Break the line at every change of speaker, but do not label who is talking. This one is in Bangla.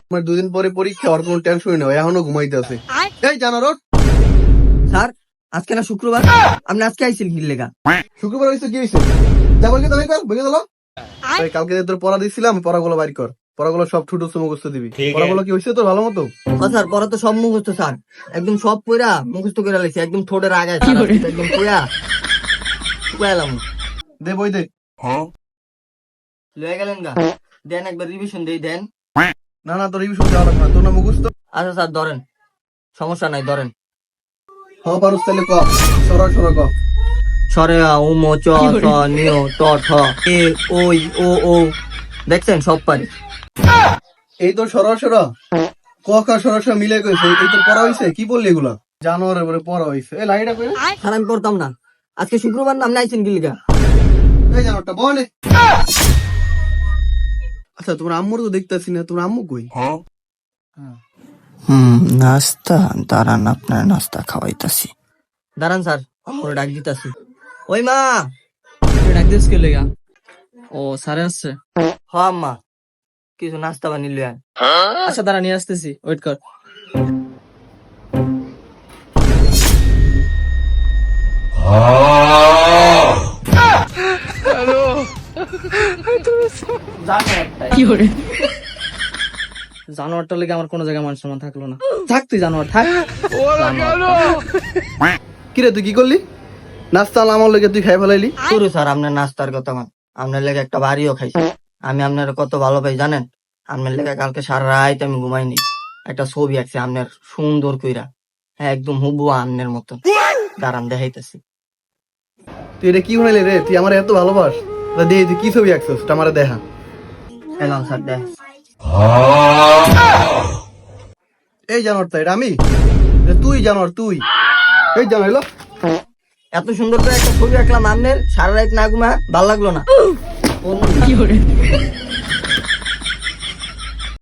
আমার 2 দিন পরে পরীক্ষা, আর কোনো টেনশনই নেই, এখনো ঘুমাইতে আছে। এই জানো রোড,
স্যার আজকে না শুক্রবার, আপনি আজকে আইছিল কি লেগা?
শুক্রবার হয়েছে কি হয়েছে? যা বলকে তুমি কর, বুঝে দিল। কালকে যে তোর পড়া দিছিলাম, পড়াগুলো বাইর কর। পড়াগুলো সব ঠুটো মুখস্থ দিবি। পড়াগুলো কি হয়েছে তোর ভালো মতো?
স্যার পড়া তো সব মুখস্থ স্যার, একদম সব পড়া মুখস্থ করে লাইছি, একদম ঠোঁটের আগায় স্যার, একদম পড়া পুয়ালাম।
দে বই দে।
লয়ে গেলেন গা, দেন একবার রিভিশন দেই দেন।
না না, তোর রিভিশন দেওয়া লাগবে না, তোর না মুখস্থ।
আচ্ছা স্যার ধরেন, সমস্যা নাই ধরেন।
হ পারুস তাহলে ক, সরা সরা ক।
সরে উ ম চ ছ নিয় ট ঠ এ ওই ও ও, দেখছেন সব পারি।
এই তোর সরা সরা ক খ সরা সরা মিলে কইছে, এই তোর পড়া হইছে? কি বললি এগুলা? জানোয়ারের পরে পড়া হইছে। এই লাইটা কই?
স্যার আমি পড়তাম না, আজকে শুক্রবার নাম নাইছেন কি লিগা?
এই জানোয়ারটা বলে। আচ্ছা তোমার আম্মুর তো দেখতাছি না, তোমার আম্মু কই?
নাস্তা দাঁড়ান, আপনার নাস্তা খাওয়াইতাছি। দাঁড়ান স্যার, করে ডাক দিতাছি। ওই মা,
ডাক দিস কে লেগা? ও স্যারে আসছে।
হ আম্মা, কিছু নাস্তা বানিয়ে লই আয়।
আচ্ছা দাঁড়া নিয়ে আসতেছি, ওয়েট কর। জানোয়ারটা লেগে আমার কোনো জায়গায় মান সম্মান থাকলো না। থাক তুই জানোয়ার থাক।
কিরে তুই কি করলি? নাস্তা আমার লেগে তুই খাই ফেলাইলি?
শুরু স্যার আপনার নাস্তার কথা মান, আপনার লেগে একটা বাড়িও খাইছি। আমি আপনার কত ভালো পাই জানেন? আপনার লেগে কালকে সারা রাত আমি ঘুমাইনি, একটা ছবি আঁকছি আপনার সুন্দর কইরা, হ্যাঁ একদম হুবহু আপনার মতো। দাঁড়ান দেখাইতেছি।
তুই এটা কি বানাইলি রে? তুই আমার এত ভালোবাস, দে তুই কি ছবি আঁকছিস আমারে দেখা।
এলাম স্যার দেখ।
এই জানোয়ারটা এটা আমি? তুই জানোয়ার তুই? এই জানোয়ার এলো।
এত সুন্দর করে একটা ছবি আঁকলাম আপনার, সারা রাত না ঘুমা, ভাল লাগলো না।